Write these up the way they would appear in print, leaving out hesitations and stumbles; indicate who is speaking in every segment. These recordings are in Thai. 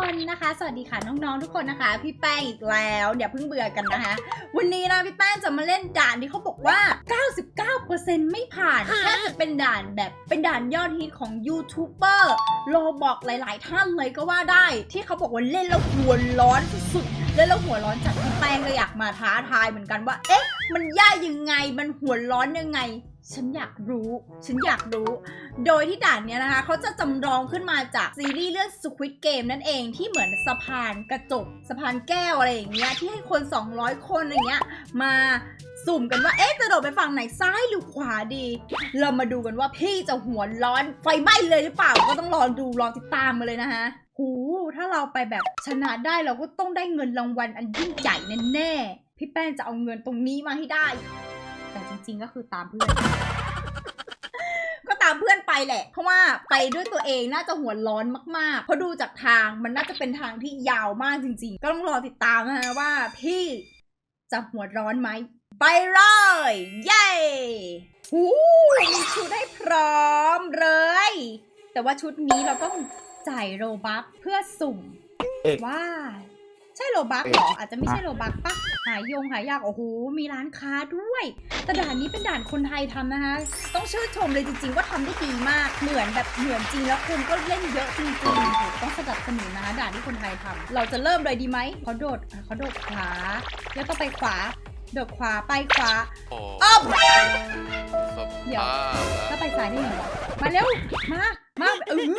Speaker 1: คนนะคะสวัสดีค่ะน้องๆทุกคนนะคะพี่แป้งอีกแล้วอย่าเพิ่งเบื่อกันนะคะวันนี้นะพี่แป้งจะมาเล่นด่านที่เขาบอกว่า 99% ไม่ผ่านแค่จะเป็นด่านแบบเป็นด่านยอดฮิตของยูทูบเบอร์โลบอกหลายๆท่านเลยก็ว่าได้ที่เขาบอกว่าเล่นแล้วหัวร้อนสุดๆเล่นแล้วหัวร้อนจัดพี่แป้งเลยอยากมาท้าทายเหมือนกันว่าเอ๊ะมันยากยังไงมันหัวร้อนยังไงฉันอยากรู้โดยที่ด่านเนี้ยนะคะเขาจะจำลองขึ้นมาจากซีรีส์เรื่อง Squid Game นั่นเองที่เหมือนสะพานกระจกสะพานแก้วอะไรอย่างเงี้ยที่ให้คน200คนอะไรเงี้ยมาสุ่มกันว่าเอ๊ะจะโดดไปฝั่งไหนซ้ายหรือขวาดีเรามาดูกันว่าพี่จะหัวร้อนไฟไหม้เลยหรือเปล่าก็ต้องรอติดตามมาเลยนะคะหูถ้าเราไปแบบชนะได้เราก็ต้องได้เงินรางวัลอันยิ่งใหญ่แน่ๆพี่แป้งจะเอาเงินตรงนี้มาให้ได้แต่จริงๆก็คือตามเพื่อน ก็ตามเพื่อนไปแหละเพราะว่าไปด้วยตัวเองน่าจะหัวร้อนมากๆเพราะดูจากทางมันน่าจะเป็นทางที่ยาวมากจริงๆก็ต้องรอติดตามนะว่าพี่จะหัวร้อนไหมไปเลยเย้หูมีชุดให้พร้อมเลยแต่ว่าชุดนี้เราต้องจ่ายโรบัคเพื่อสุ่มว่าใช่โรบัคหรออาจจะไม่ใช่โรบัคปะหายากโอ้โหมีร้านค้าด้วยแต่ด่านนี้เป็นด่านคนไทยทำนะคะต้องชื่นชมเลยจริงๆว่าทำได้ดีมากเหมือนจริงแล้วคนก็เล่นเยอะจริงๆต้องสนับสนุนนะคะด่านที่คนไทยทำเราจะเริ่มเลยดีไหมเขาโดดขวาแล้วก็ไปขวาโดดขวาไปขวาอ้อมเดี๋ยวถ้าไปซ้ายได้ไงวะมาเร็วมาไม่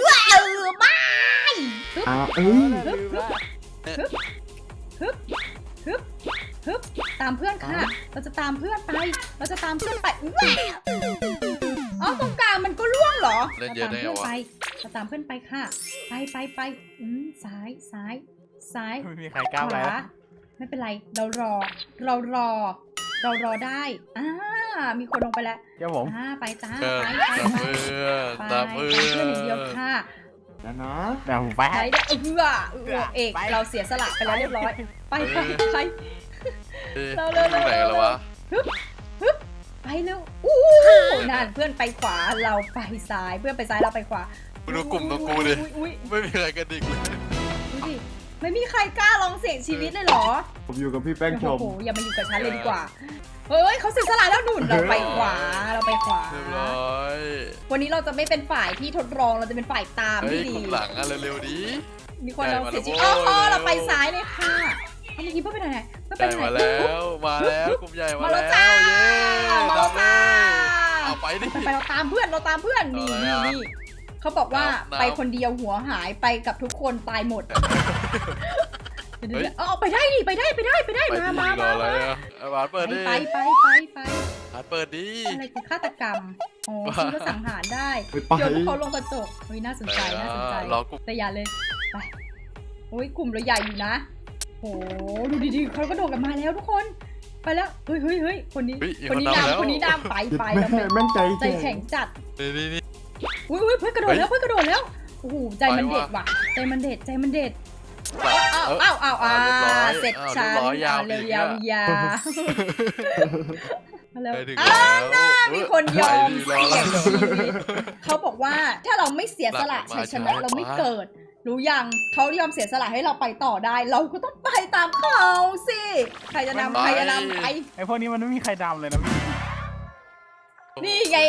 Speaker 1: ฮึบตามเพื่อนค่ะเราจะตามเพื่อนไปอ๋อตรงกลางมันก็ล่วงเหรอเราตามเพื่อนไปค่ะไปซ้าย
Speaker 2: ไม่มีใครกล้าไป
Speaker 1: ไม่เป็นไรเรารอได้มีคนลงไปแล้ว
Speaker 2: เจ้าผม
Speaker 1: ไปจ้า
Speaker 2: ตามเพื่อน
Speaker 1: อย่างเดียวค่ะ
Speaker 2: แล้วเนาะเดี๋ยวผมไป
Speaker 1: เอกเราเสียสละไปแล้วเรียบร้อยไปเรา
Speaker 2: ไหนแล้ววะ
Speaker 1: ฮึบไปเร็วนั่นเพื่อนไปขวาเราไปซ้ายเพื่อนไปซ้ายเราไปขวา
Speaker 2: ดูกลุ่มตรงกูดิไม่มีอะไรกันดิเลย
Speaker 1: ดูดิไม่มีใครกล้าลองเสี่ยงชีวิตเลยเหรอ
Speaker 3: ผมอยู่กับพี่แป้งชม
Speaker 1: โอ้โหอย่ามาอยู่กับฉันเลยดีกว่าเฮ้ยเขาเสียสละแล้วหนุนเราไปขวาเรียบร้อยวันนี้เราจะไม่เป็นฝ่ายที่ทดลองเราจะเป็นฝ่ายตามที่ดี
Speaker 2: หลังเร็วๆดี
Speaker 1: มีคนเราเสียชีวิตเราไปซ้ายเลยค่ะเมื่อกี้เพื่อนไปไหน
Speaker 2: มาแล้วกลุ่มใหญ่มาแล้ว
Speaker 1: เย้
Speaker 2: เอาไปดิ
Speaker 1: ไปเราตามเพื่อนนี่เขาบอกว่าไปคนเดียวหัวหายไปกับทุกคนตายหมดเอาไปได้ดิไปได้มา
Speaker 2: เปิดดิ
Speaker 1: ไป
Speaker 2: เปิดดิ
Speaker 1: อะไรคือฆาตกรรมอ๋อคือก็สังหารได้โยนเขาลงกระจกเฮ้ยน่าสนใจแต่อย่าเลยไปโอ้ยกลุ่มเราใหญ่อยู่นะโอ้ดูดีๆเขาก็โดดกันมาแล้วทุกคนไปแล้วเฮ้ยคนนี้ดำไปแล้วใจแข็งจัด
Speaker 2: นี่
Speaker 1: อุ้ยเพื่อนกระโดดแล้วโอ้โหใจมันเด็ดว่ะใจมันเด็ดเสร็จฉันเร็วยาวมีคนยอมเสี่ยงชีวิตเขาบอกว่าถ้าเราไม่เสียสละชัยชนะเราไม่เกิดรู้ยังเขายอมเสียสละให้เราไปต่อได้เราก็ต้องไปตามเขาสิใครจะนำไป
Speaker 2: ไอพวกนี้มันไม่มีใครดำเลยนะพี่
Speaker 1: นี่ไง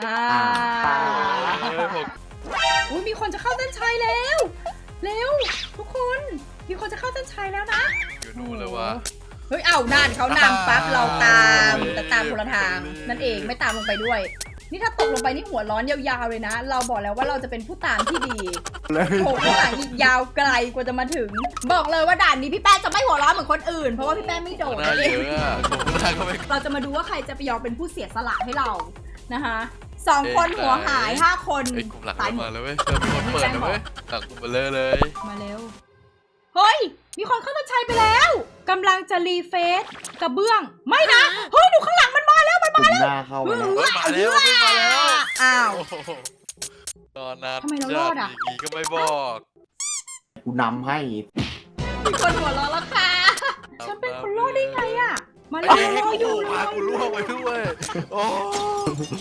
Speaker 1: อุ้ยมีคนจะเข้าเส้นชัยแล้วเร็วทุกคนมีคนจะเข้าเส้นชัยแล้วนะ
Speaker 2: อยู่นู่นเลยวะ
Speaker 1: เฮ้ยนั่นเขานำปั๊บเราตามแต่ตามคนละทางนั่นเองไม่ตามลงไปด้วยนี่ถ้าตกลงไปนี่หัวร้อนยาวๆเลยนะเราบอกแล้วว่าเราจะเป็นผู้ตามที่ดีโผล่ข้างหลังอีกยาวไกลกว่าจะมาถึงบอกเลยว่าด่านนี้พี่แป้งจะไม่หัวร้อนเหมือนคนอื่นเพราะว่าพี่แป้งไม่โดดเองเราจะมาดูว่าใครจะไปยอมเป็นผู้เสียสละให้เรานะคะ2 คนหัวหาย5 คน
Speaker 2: ตายหมดเลยเว้ยมีคนเปิดเลยเว้ยหลังกูมาเลย
Speaker 1: มาเร็วเฮ้ยมีคนเข้าเส้นชัยไปแล้วกำลังจะรีเฟซกระเบื้องไม่นะเฮ้ยดูข้างหลังมันมาแล้ว
Speaker 3: หน้าเข้ามา
Speaker 2: แล้ว
Speaker 1: อ้าว
Speaker 2: ตอนนั้น
Speaker 1: ทำไมเรารอดอ่ะ
Speaker 2: ก็ไม่บอก
Speaker 3: กูนำให้
Speaker 1: มีคนหัวเราะแล้วค่ะฉันเป็นคนรอดได้ไงอ่ะมาแล้วรออยู่
Speaker 2: มากูล่วงไปด้วย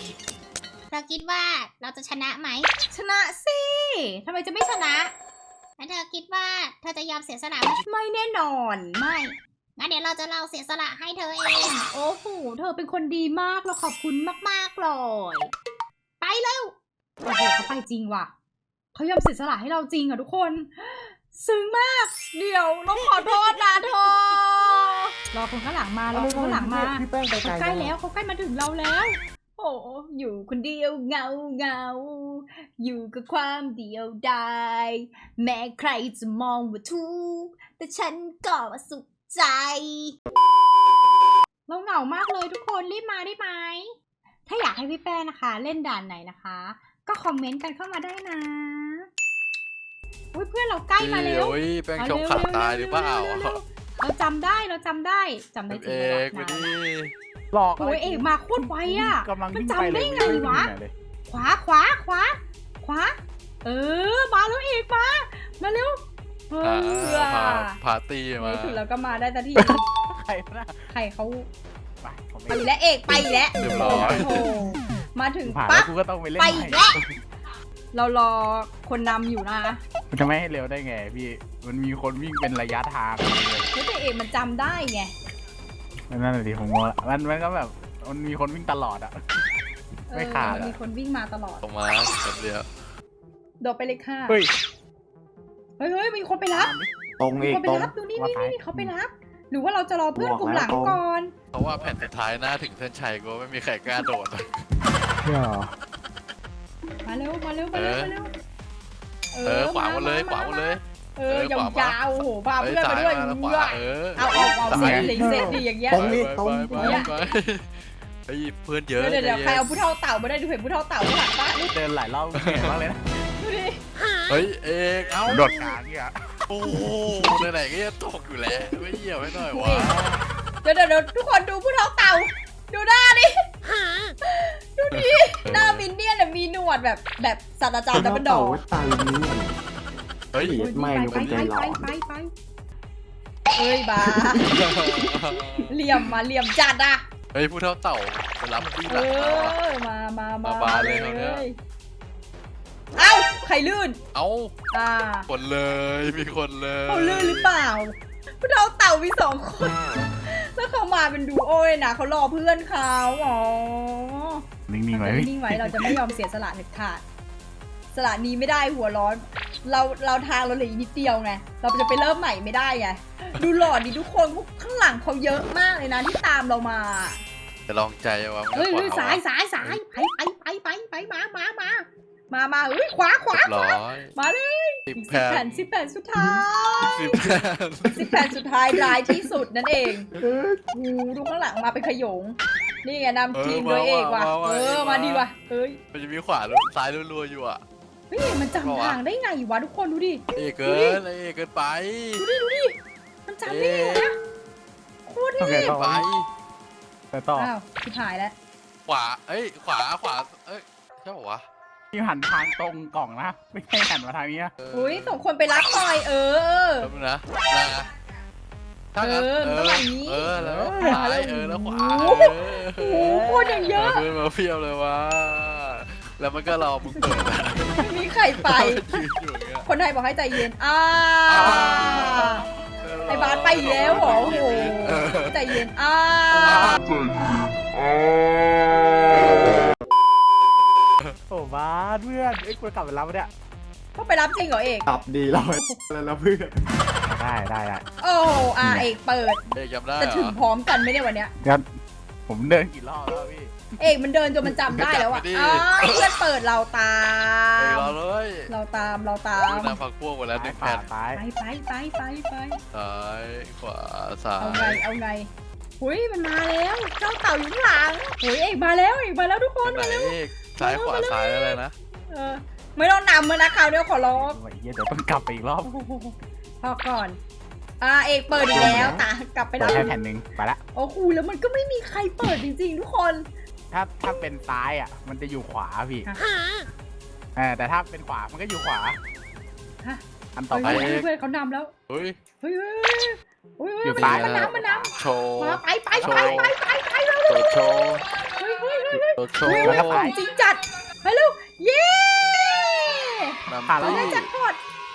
Speaker 1: เราคิดว่าเราจะชนะไหมชนะสิทำไมจะไม่ชนะ
Speaker 4: แล้วเธอคิดว่าเธอจะยอมเสียสละไหม
Speaker 1: ไม่แน่นอนไม่
Speaker 4: งั้นเดี๋ยวเราจะลองเสียสละให้เธอเอง
Speaker 1: โอ้โหเธอเป็นคนดีมากเราขอบคุณมากๆเลย
Speaker 4: ไปเร็ว
Speaker 1: โอ้โหเขาไปจริงว่ะเขายอมเสียสละให้เราจริงอ่ะทุกคนซึ้งมากเดี๋ยวเราขอโทษนะเธอรอคนข้างหลังมารอคนข้างหลังมา
Speaker 3: พี่แป้งไปไกล
Speaker 1: เขาใกล้แล้วเขาใกล้มาถึงเราแล้ว โอ้อยู่คนเดียวเงาอยู่กับความเดียวดายแม้ใครจะมองว่าทุกข์แต่ฉันก็สุขใจ เราเหงามากเลยทุกคนรีบมาได้ไหมถ้าอยากให้พี่แป้งนะคะ เล่นด่านไหนนะคะ ก็คอมเมนต์กันเข้ามาได้นะอุ๊ยเพื่อนเราใกล้มาเร็ว
Speaker 2: โอ้ยแป้งชมขาดตายหรือเปล่า
Speaker 1: เราจำได้จำได้
Speaker 2: เอ
Speaker 1: จริง
Speaker 2: ก
Speaker 1: ๆ
Speaker 2: ไป
Speaker 1: เลย
Speaker 2: ดิ
Speaker 3: หลอก
Speaker 1: โอ้ยเอกมาโคตรไวอ่ะ
Speaker 3: กำลัง
Speaker 1: มัน
Speaker 3: วิ่ง
Speaker 1: จำ
Speaker 3: ไปเล
Speaker 1: ได้
Speaker 3: ย
Speaker 1: ไงวะ ขวาขวามาแล้วเอกมาเร็ว
Speaker 2: พาตี้มา
Speaker 1: ถึงแล้วก็มาได้ทันที
Speaker 3: ใครนะ
Speaker 1: ใครเขา
Speaker 3: ไปผม
Speaker 1: ไปอีกแล้วเอกไปอีกแล้ว
Speaker 2: เรียบร้อย
Speaker 1: โอ้โหมาถึง
Speaker 3: ผ่านแล้
Speaker 1: ปั๊
Speaker 3: ว
Speaker 1: บ
Speaker 3: กูก็ต้องไปเล่น
Speaker 1: ไป
Speaker 3: ให
Speaker 1: อี
Speaker 3: ม่
Speaker 1: กแล้วเรารอคนนำอยู่นะ
Speaker 3: มันจะไม่ให้เร็วได้ไงพี่ มันมีคนวิ่งเป็นระยะทางเลย
Speaker 1: เฮ้ยแต่เอกมันจำได้ไง
Speaker 3: นั่นแหละดิผมงงละมันก็แบบมันมีคนวิ่งตลอดอ่ะ ไม่ขาดอะ
Speaker 1: มีคนวิ่งมาตลอด
Speaker 2: ตรงมาคนเดียว
Speaker 1: โดดไปเลยค่ะ
Speaker 3: เฮ้ย
Speaker 1: เฮ้ยมีคนไปรับ
Speaker 3: ตรง
Speaker 1: มี
Speaker 3: อีก
Speaker 1: คนไป
Speaker 3: ตรง
Speaker 1: รับดูนี่
Speaker 3: ว่าซ้าย
Speaker 1: เขาไปรับ หรือว่าเราจะรอเพื่อนกลุ่มหลังก่อน
Speaker 2: เพราะว่าแผ่นสุดท้ายหน้าถึงเส้นชัยก็ไม่มีใครกล้าโดด
Speaker 3: เชื่อ
Speaker 1: มาเร็ว
Speaker 2: ขวาหมดเลยขวาหมดเลย
Speaker 1: ยาวๆโอ้โหพาเพื่อนมาด้วย
Speaker 2: ขวาเออ
Speaker 1: เอาเสร็จดีอย่างเงี้ย
Speaker 3: ตรงนี้ตรง
Speaker 2: ไปไอ้เพื่อนเยอะ
Speaker 1: เดี๋ยวใครเอาผู้เฒ่าเต่ามาได้ดูเห็นผู้เฒ่าเต่าข้างหลังป้า
Speaker 3: เดินหลายรอบเหนื่อยมากเลยนะ
Speaker 1: ดูดิ
Speaker 2: เฮ้ยเอกเอ้า
Speaker 3: โดดกลางเนี่ย
Speaker 2: โอ้โหไหนๆก็จะตกอยู่แล้วไม่เหี่ยวให้หน่อยวะ
Speaker 1: เดี๋ยวทุกคนดูผู้เฒ่าเต่าดูหน้าดิดูดิหน้ามินเนี่ยนมีหนวดแบบศาสตราจารย์ดับเบิลดอร์
Speaker 3: ตายนี้
Speaker 2: เฮ้ย
Speaker 3: ไม่หนูเป็นใจร้อน
Speaker 1: ไปเอ้ยบาเหลี่ยมจัดอ่ะ
Speaker 2: เฮ้ยผู้เท่าเต่าไปรับพี่หลัง
Speaker 1: มา
Speaker 2: บาเลยคราวเนี้ย
Speaker 1: เอ้าใครลื่น
Speaker 2: เอ้า
Speaker 1: อ่า
Speaker 2: คนเลยมีคนเลย
Speaker 1: เขาลื่นหรือเปล่าผู้เฒ่าเต่ามี2 คน แล้วเขามาเป็นดูโอ้ยนะเขารอเพื่อนเขาอ๋อ
Speaker 3: นิ่งๆไว้
Speaker 1: นิ่งไว้เราจะไม่ยอมเสียสละเด็ดขาดสละนี้ไม่ได้หัวร้อน เราทางเราเหลืออีกนิดเดียวไงเราจะไปเริ่มใหม่ไม่ได้ไงดูหล่อดิทุกคนพวกข้างหลังเขาเยอะมากเลยนะที่ตามเรามา
Speaker 2: จะลองใจว่า
Speaker 1: เฮ้ยสายไปมาเฮ้ยขวา
Speaker 2: ร้อย
Speaker 1: มาเลย
Speaker 2: 10
Speaker 1: 10 แผ่นสุดท้าย
Speaker 2: 10 แผ่น
Speaker 1: 10 แผ่นสุดท้ายรายที่สุดนั่นเองดูข้างหลังมาเป็นขยงนี่ไงนำทีมโดยเอกว่ะมาดีว่ะเฮ้ย
Speaker 2: มันจะมีขวาซ้ายรัวๆอยู่อ่ะ
Speaker 1: เฮ้ยมันจำทางได้ไงวะทุกคนดูดิ
Speaker 2: เอกเกินเอกเกินไป
Speaker 1: มันจำได้ไงนะโคตร
Speaker 3: โอเค
Speaker 1: เท่
Speaker 3: ต่อ
Speaker 2: ไป
Speaker 3: ไปต่อ
Speaker 1: อ้าวชิบหายแล้ว
Speaker 2: ขวาขวาเอ้ยใช่ป่าวะ
Speaker 3: ที่หันทางตรงกล่องนะ ไม่ใช่หันมาทางนี้
Speaker 1: อุ้ยส่งคนไปรับหน่อย
Speaker 2: แป๊บนึงนะถ้างั้นแล้วซ้ายแล้วขวา
Speaker 1: โอ้โหโคตรอย่างเยอะ
Speaker 2: เพื่อนมาเพียบเลยวะแล้วมันก็รอมึงเปิด
Speaker 1: ไม่มีใครไป
Speaker 2: ยืนอยู่อย่างเงี้ย
Speaker 1: คนไทยบอกให้ใจเย็นไอ้บาสไปอีกแล้วเหรอโอ้โหใจเย็น
Speaker 3: โอ้บ้าเพื่อนกูกลับไปรับเนี่ย
Speaker 1: ต้องไปรับจริงเหรอเอก
Speaker 3: กลับดีเราแล้วเพื่อนได้
Speaker 1: โอ้เอกเปิด
Speaker 2: เอกจำได้
Speaker 1: จะถึงพร้อมกันไม่ได้วันเนี้ย
Speaker 3: งั้นผมเดินกี่รอบแล้วพี่
Speaker 1: เอกมันเดินจนมันจำได้แล้วอ่ะเพื่อนเปิดเราตา
Speaker 2: เอก
Speaker 1: ม
Speaker 2: รอเลย
Speaker 1: เราตาม
Speaker 2: นำพักพวกหมดแล้ว1 แผ่น
Speaker 3: ซ้าย
Speaker 1: ไป
Speaker 2: ซ้ายขวาซ้า
Speaker 1: เอาไงหุยมันมาแล้วเจ้าเต่าอยู่ข้างหลังหุยเอกมาแล้วทุกคน
Speaker 2: ไหนเอกซ้ายขวาซ้ายอะไรนะ
Speaker 1: ไม่ต้องนำมันนะคราวเดียวขอร้อง
Speaker 3: เดี๋ยวต้องกลับไปอีกรอบ
Speaker 1: พอก่อนเอกเปิดอีกแล้วตากลับไป
Speaker 3: เปิดแค่แผ่นหนึ่งไปละ
Speaker 1: โอ้โหแล้วมันก็ไม่มีใครเปิดจริงๆทุกคน
Speaker 3: ถ้าเป็นซ้ายอ่ะมันจะอยู่ขวาพี่แต่ถ้าเป็นขวามันก็อยู่ขวาอันต่อไป
Speaker 1: เพื่อนเขานำแล้ว
Speaker 2: เฮ้ย
Speaker 3: อยู่ซ้าย
Speaker 1: มันนำ
Speaker 2: โชว์
Speaker 1: มาไป
Speaker 2: โชว์
Speaker 1: เฮ้ย
Speaker 2: โชว์
Speaker 1: ของจริงจัดไปเร็วเย้
Speaker 2: นำ
Speaker 3: ผ่านแล้
Speaker 1: เรา
Speaker 3: ว
Speaker 1: ได้แจ็คพอต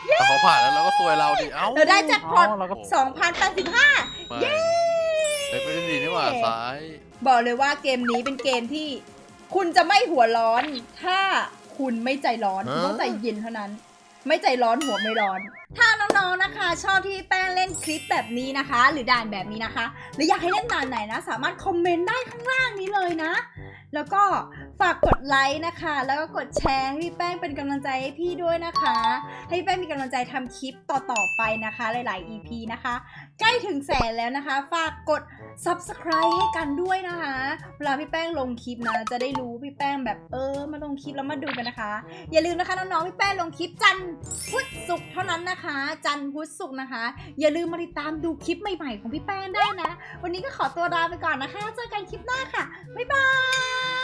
Speaker 2: แต่เขาผ่านแล้วเราก็ซวยเราดิเอ้า
Speaker 1: เราได้แจ็คพอต
Speaker 3: เราก็
Speaker 1: 2,085
Speaker 2: เย้ไปเล่นดีนี่หว่าซ้าย
Speaker 1: บอกเลยว่าเกมนี้เป็นเกมที่คุณจะไม่หัวร้อน ถ้าคุณไม่ใจร้อนคุณต้องใจเย็นเท่านั้น ไม่ใจร้อนหัวไม่ร้อน ถ้าน้องๆนะคะ ชอบที่แป้งเล่นคลิปแบบนี้นะคะ หรือด่านแบบนี้นะคะ หรืออยากให้เล่นด่านไหนนะ สามารถคอมเมนต์ได้ข้างล่างนี้เลยนะ แล้วก็ฝากกดไลค์นะคะ แล้วก็กดแชร์ให้พี่แป้งเป็นกำลังใจให้พี่ด้วยนะคะ ให้พี่แป้งมีกำลังใจทำคลิปต่อๆไปนะคะ หลายๆ EP นะคะ ใกล้ถึงแสนแล้วนะคะ ฝากกด Subscribe ให้กันด้วยนะคะ เวลาพี่แป้งลงคลิปนะ จะได้รู้พี่แป้งแบบมาลงคลิปแล้วมาดูกันนะคะ อย่าลืมนะคะน้องๆพี่แป้งลงคลิปจันทร์พุธศุกร์เท่านั้นนะคะ จันทร์พุธศุกร์นะคะ อย่าลืมมาติดตามดูคลิปใหม่ๆของพี่แป้งได้นะ วันนี้ก็ขอตัวลาไปก่อนนะคะ เจอกันคลิปหน้าค่ะ บ๊ายบาย